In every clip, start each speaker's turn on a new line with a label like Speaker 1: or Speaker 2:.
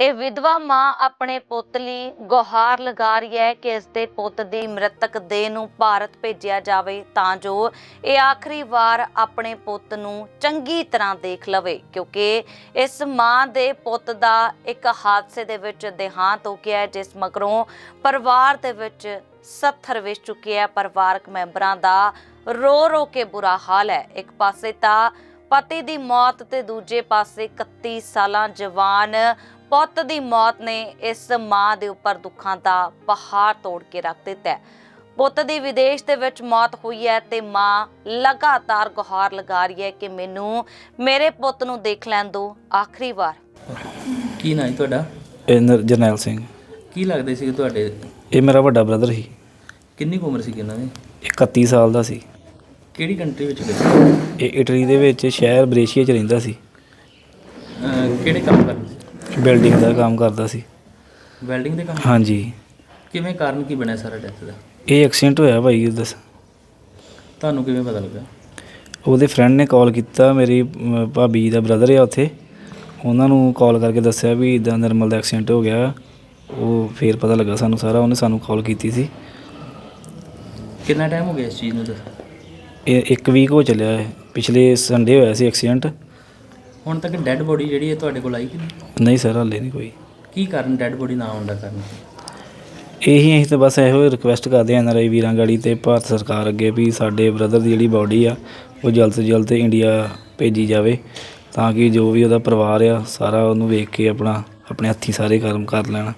Speaker 1: ਇਹ ਵਿਧਵਾ ਮਾਂ ਆਪਣੇ ਪੁੱਤ ਲਈ ਗੁਹਾਰ ਲਗਾ ਰਹੀ ਹੈ ਕਿ ਇਸ ਦੇ ਪੁੱਤ ਦੀ ਮ੍ਰਿਤਕ ਦੇਹ ਨੂੰ ਭਾਰਤ ਭੇਜਿਆ ਜਾਵੇ ਤਾਂ ਜੋ ਇਹ ਆਖਰੀ ਵਾਰ ਆਪਣੇ ਪੁੱਤ ਨੂੰ ਚੰਗੀ ਤਰ੍ਹਾਂ ਦੇਖ ਲਵੇ, ਕਿਉਂਕਿ ਇਸ ਮਾਂ ਦੇ ਪੁੱਤ ਦਾ ਇੱਕ ਹਾਦਸੇ ਦੇ ਵਿੱਚ ਦੇਹਾਂਤ ਹੋ ਗਿਆ, ਜਿਸ ਮਗਰੋਂ ਪਰਿਵਾਰ ਦੇ ਵਿੱਚ ਸੱਥਰ ਵਿਛ ਚੁੱਕਿਆ। ਪਰਿਵਾਰਕ ਮੈਂਬਰਾਂ ਦਾ ਰੋ ਰੋ ਕੇ ਬੁਰਾ ਹਾਲ ਹੈ। ਇੱਕ ਪਾਸੇ ਤਾਂ ਪਤੀ ਦੀ ਮੌਤ ਤੇ ਦੂਜੇ ਪਾਸੇ 31 ਸਾਲਾਂ ਜਵਾਨ ਪੁੱਤ ਦੀ ਮੌਤ ਨੇ ਇਸ ਮਾਂ ਦੇ ਉੱਪਰ ਦੁੱਖਾਂ ਦਾ ਪਹਾੜ ਤੋੜ ਕੇ ਰੱਖ ਦਿੱਤਾ ਹੈ। ਪੁੱਤ ਦੀ ਵਿਦੇਸ਼ ਦੇ ਵਿੱਚ ਮੌਤ ਹੋਈ ਹੈ ਤੇ ਮਾਂ ਲਗਾਤਾਰ ਗੁਹਾਰ ਲਗਾ ਰਹੀ ਹੈ ਕਿ ਮੈਨੂੰ ਮੇਰੇ ਪੁੱਤ ਨੂੰ ਦੇਖ ਲੈਣ ਦਿਓ ਆਖਰੀ ਵਾਰ।
Speaker 2: ਕੀ ਨਾਂ ਹੈ ਤੁਹਾਡਾ?
Speaker 3: ਜਰਨੈਲ ਸਿੰਘ।
Speaker 2: ਕੀ ਲੱਗਦੇ ਸੀ ਤੁਹਾਡੇ?
Speaker 3: ਇਹ ਮੇਰਾ ਵੱਡਾ ਬ੍ਰਦਰ ਸੀ।
Speaker 2: ਕਿੰਨੀ ਕੁ ਉਮਰ ਸੀ ਇਹਨਾਂ ਦੀ?
Speaker 3: 31 ਸਾਲ ਦਾ ਸੀ।
Speaker 2: ਕਿਹੜੀ ਕੰਟਰੀ ਵਿੱਚ ਗਏ?
Speaker 3: ਇਹ ਇਟਲੀ ਦੇ ਵਿੱਚ ਸ਼ਹਿਰ ਬਰੇਸ਼ੀਆ 'ਚ ਰਹਿੰਦਾ ਸੀ।
Speaker 2: ਕਿਹੜੇ ਕੰਮ ਕਰਦੇ ਸੀ?
Speaker 3: ਬਿਲਡਿੰਗ ਦਾ ਕੰਮ ਕਰਦਾ ਸੀ।
Speaker 2: ਵੈਲਡਿੰਗ ਦੇ ਕੰਮ?
Speaker 3: ਹਾਂਜੀ।
Speaker 2: ਕਿਵੇਂ ਕਾਰਨ ਕੀ ਬਣਿਆ ਸਾਰਾ ਡੈਥ ਦਾ?
Speaker 3: ਇਹ ਐਕਸੀਡੈਂਟ ਹੋਇਆ ਭਾਈ। ਦੱਸ
Speaker 2: ਤੁਹਾਨੂੰ ਕਿਵੇਂ ਪਤਾ ਲੱਗਾ?
Speaker 3: ਉਹਦੇ ਫਰੈਂਡ ਨੇ ਕਾਲ ਕੀਤਾ, ਮੇਰੀ ਭਾਬੀ ਦਾ ਬ੍ਰਦਰ ਆ ਉੱਥੇ, ਉਹਨਾਂ ਨੂੰ ਕਾਲ ਕਰਕੇ ਦੱਸਿਆ ਵੀ ਇੱਦਾਂ ਨਿਰਮਲ ਦਾ ਐਕਸੀਡੈਂਟ ਹੋ ਗਿਆ। ਉਹ ਫਿਰ ਪਤਾ ਲੱਗਾ ਸਾਨੂੰ ਸਾਰਾ, ਉਹਨੇ ਸਾਨੂੰ ਕਾਲ ਕੀਤੀ ਸੀ।
Speaker 2: ਕਿੰਨਾ ਟਾਈਮ ਹੋ ਗਿਆ ਇਸ ਚੀਜ਼ ਨੂੰ? ਦੱਸ।
Speaker 3: ਇਹ 1 ਵੀਕ ਹੋ ਚੱਲਿਆ ਹੈ। ਪਿਛਲੇ ਸੰਡੇ ਹੋਇਆ ਸੀ ਐਕਸੀਡੈਂਟ।
Speaker 2: ਹੁਣ ਤੱਕ ਡੈੱਡ ਬੋਡੀ ਜਿਹੜੀ ਹੈ ਤੁਹਾਡੇ ਕੋਲ ਆਈ ਕਿ
Speaker 3: ਨਹੀਂ ਸਰ, ਹਾਲੇ ਨਹੀਂ ਕੋਈ।
Speaker 2: ਕੀ ਕਾਰਨ ਡੈੱਡ ਬੋਡੀ ਨਾ ਆਉਣ ਦਾ ਕਾਰਨ?
Speaker 3: ਅਸੀਂ ਤਾਂ ਬਸ ਇਹੋ ਰਿਕੁਐਸਟ ਕਰਦੇ ਹਾਂ NRI ਵੀਰਾਂ ਗਾੜੀ ਤੇ ਭਾਰਤ ਸਰਕਾਰ ਅੱਗੇ ਵੀ ਸਾਡੇ ਬ੍ਰਦਰ ਦੀ ਜਿਹੜੀ ਬਾਡੀ ਆ ਉਹ ਜਲਦ ਤੋਂ ਜਲਦ ਇੰਡੀਆ ਭੇਜੀ ਜਾਵੇ, ਤਾਂ ਕਿ ਜੋ ਵੀ ਉਹਦਾ ਪਰਿਵਾਰ ਆ ਸਾਰਾ ਉਹਨੂੰ ਵੇਖ ਕੇ ਆਪਣੇ ਹੱਥੀਂ ਸਾਰੇ ਕਰਮ ਕਰ ਲੈਣ।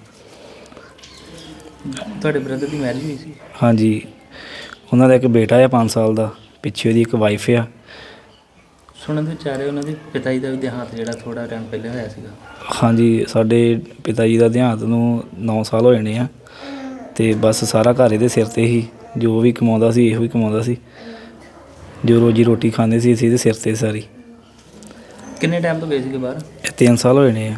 Speaker 2: ਤੁਹਾਡੇ ਬ੍ਰਦਰ ਦੀ ਮੈਰਿਜ ਹੋਈ ਸੀ?
Speaker 3: ਹਾਂਜੀ, ਉਹਨਾਂ ਦਾ ਇੱਕ ਬੇਟਾ ਆ 5 ਸਾਲ ਦਾ, ਪਿੱਛੇ ਉਹਦੀ ਇੱਕ ਵਾਈਫ ਆ।
Speaker 2: ਸੁਣਨ ਦੇ ਵਿੱਚ ਆ ਰਿਹਾ ਉਹਨਾਂ ਦੇ ਪਿਤਾ ਜੀ ਦਾ ਵੀ ਦੇਹਾਂਤ ਜਿਹੜਾ ਥੋੜ੍ਹਾ ਟਾਈਮ ਪਹਿਲੇ ਹੋਇਆ ਸੀਗਾ।
Speaker 3: ਹਾਂਜੀ, ਸਾਡੇ ਪਿਤਾ ਜੀ ਦਾ ਦੇਹਾਂਤ ਨੂੰ 9 ਸਾਲ ਹੋ ਜਾਣੇ ਆ, ਅਤੇ ਬਸ ਸਾਰਾ ਘਰ ਇਹਦੇ ਸਿਰ 'ਤੇ ਹੀ, ਜੋ ਵੀ ਕਮਾਉਂਦਾ ਸੀ ਇਹੋ ਹੀ ਕਮਾਉਂਦਾ ਸੀ, ਜੋ ਰੋਜੀ ਰੋਟੀ ਖਾਂਦੇ ਸੀ ਅਸੀਂ ਇਹਦੇ ਸਿਰ 'ਤੇ ਸਾਰੀ।
Speaker 2: ਕਿੰਨੇ ਟਾਈਮ ਤੋਂ ਗਏ ਸੀਗੇ ਬਾਹਰ?
Speaker 3: 3 ਸਾਲ ਹੋ ਜਾਣੇ ਆ।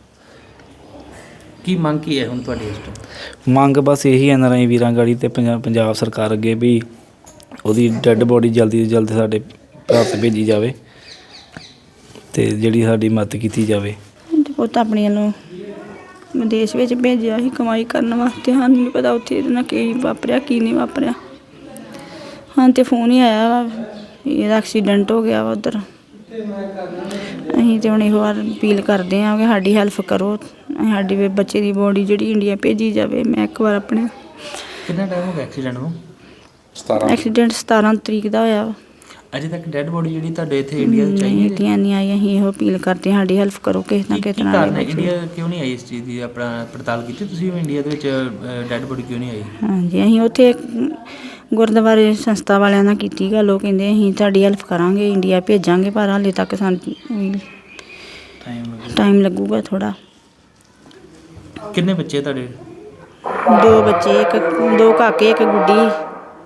Speaker 2: ਕੀ ਮੰਗ ਕੀ ਹੈ ਹੁਣ ਤੁਹਾਡੀ ਇਸ ਤੋਂ?
Speaker 3: ਮੰਗ ਬਸ ਇਹੀ NRI ਵੀਰਾਂ ਗਾੜੀ ਅਤੇ ਪੰਜਾਬ ਸਰਕਾਰ ਅੱਗੇ ਵੀ ਉਹਦੀ ਡੈੱਡ ਬੋਡੀ ਜਲਦੀ ਤੋਂ ਜਲਦੀ ਸਾਡੇ ਭਾਰਤ ਭੇਜੀ ਜਾਵੇ ਅਤੇ ਜਿਹੜੀ ਸਾਡੀ ਮਦਦ ਕੀਤੀ ਜਾਵੇ।
Speaker 4: ਪੁੱਤ ਆਪਣੀ ਵੱਲੋਂ ਵਿਦੇਸ਼ ਵਿੱਚ ਭੇਜਿਆ ਸੀ ਕਮਾਈ ਕਰਨ ਵਾਸਤੇ। ਸਾਨੂੰ ਨਹੀਂ ਪਤਾ ਉੱਥੇ ਇਹਦੇ ਨਾਲ ਕੀ ਵਾਪਰਿਆ ਕੀ ਨਹੀਂ ਵਾਪਰਿਆ। ਹਾਂ ਤਾਂ ਫੋਨ ਹੀ ਆਇਆ ਵਾ ਇਹਦਾ ਐਕਸੀਡੈਂਟ ਹੋ ਗਿਆ ਵਾ ਉੱਧਰ। ਅਸੀਂ ਤਾਂ ਹੁਣ ਇਹੋ ਵਾਰ ਅਪੀਲ ਕਰਦੇ ਹਾਂ ਕਿ ਸਾਡੀ ਹੈਲਪ ਕਰੋ, ਸਾਡੀ ਬੱਚੇ ਦੀ ਬੋਡੀ ਜਿਹੜੀ ਇੰਡੀਆ ਭੇਜੀ ਜਾਵੇ। ਮੈਂ ਇੱਕ ਵਾਰ ਆਪਣੇ
Speaker 2: ਕਿੰਨਾ ਟਾਈਮ ਹੋ ਗਿਆ ਐਕਸੀਡੈਂਟ ਨੂੰ?
Speaker 4: ਐਕਸੀਡੈਂਟ 17 ਤਰੀਕ ਦਾ ਹੋਇਆ ਵਾ।
Speaker 2: ਅਜੇ ਤੱਕ ਡੈੱਡ ਬੋਡੀ ਜਿਹੜੀ ਤੁਹਾਡੇ ਇੱਥੇ ਇੰਡੀਆ ਵਿੱਚ ਆਈ
Speaker 4: ਨਹੀਂ ਆਈ। ਅਸੀਂ ਇਹੋ ਅਪੀਲ ਕਰਦੇ ਹਾਂ ਸਾਡੀ ਹੈਲਪ ਕਰੋ ਕਿਸੇ ਨਾ ਕਿਸੇ ਤਰ੍ਹਾਂ।
Speaker 2: ਇੰਡੀਆ ਕਿਉਂ ਨਹੀਂ ਆਈ ਇਸ ਚੀਜ਼ ਦੀ ਆਪਣਾ ਪੜਤਾਲ ਕੀਤੀ ਤੁਸੀਂ? ਇੰਡੀਆ ਦੇ ਵਿੱਚ ਡੈੱਡ ਬੋਡੀ ਕਿਉਂ ਨਹੀਂ ਆਈ? ਹਾਂਜੀ,
Speaker 4: ਅਸੀਂ ਉੱਥੇ ਗੁਰਦੁਆਰੇ ਸੰਸਥਾ ਵਾਲਿਆਂ ਨਾਲ ਕੀਤੀ ਗੱਲ। ਉਹ ਕਹਿੰਦੇ ਅਸੀਂ ਤੁਹਾਡੀ ਹੈਲਪ ਕਰਾਂਗੇ, ਇੰਡੀਆ ਭੇਜਾਂਗੇ, ਪਰ ਹਾਲੇ ਤੱਕ ਸਾਨੂੰ ਟਾਈਮ ਲੱਗੂਗਾ ਥੋੜ੍ਹਾ।
Speaker 2: ਕਿੰਨੇ ਬੱਚੇ ਤੁਹਾਡੇ?
Speaker 4: 2 ਬੱਚੇ, 2 ਕਾਕੇ, 1 ਗੁੱਡੀ।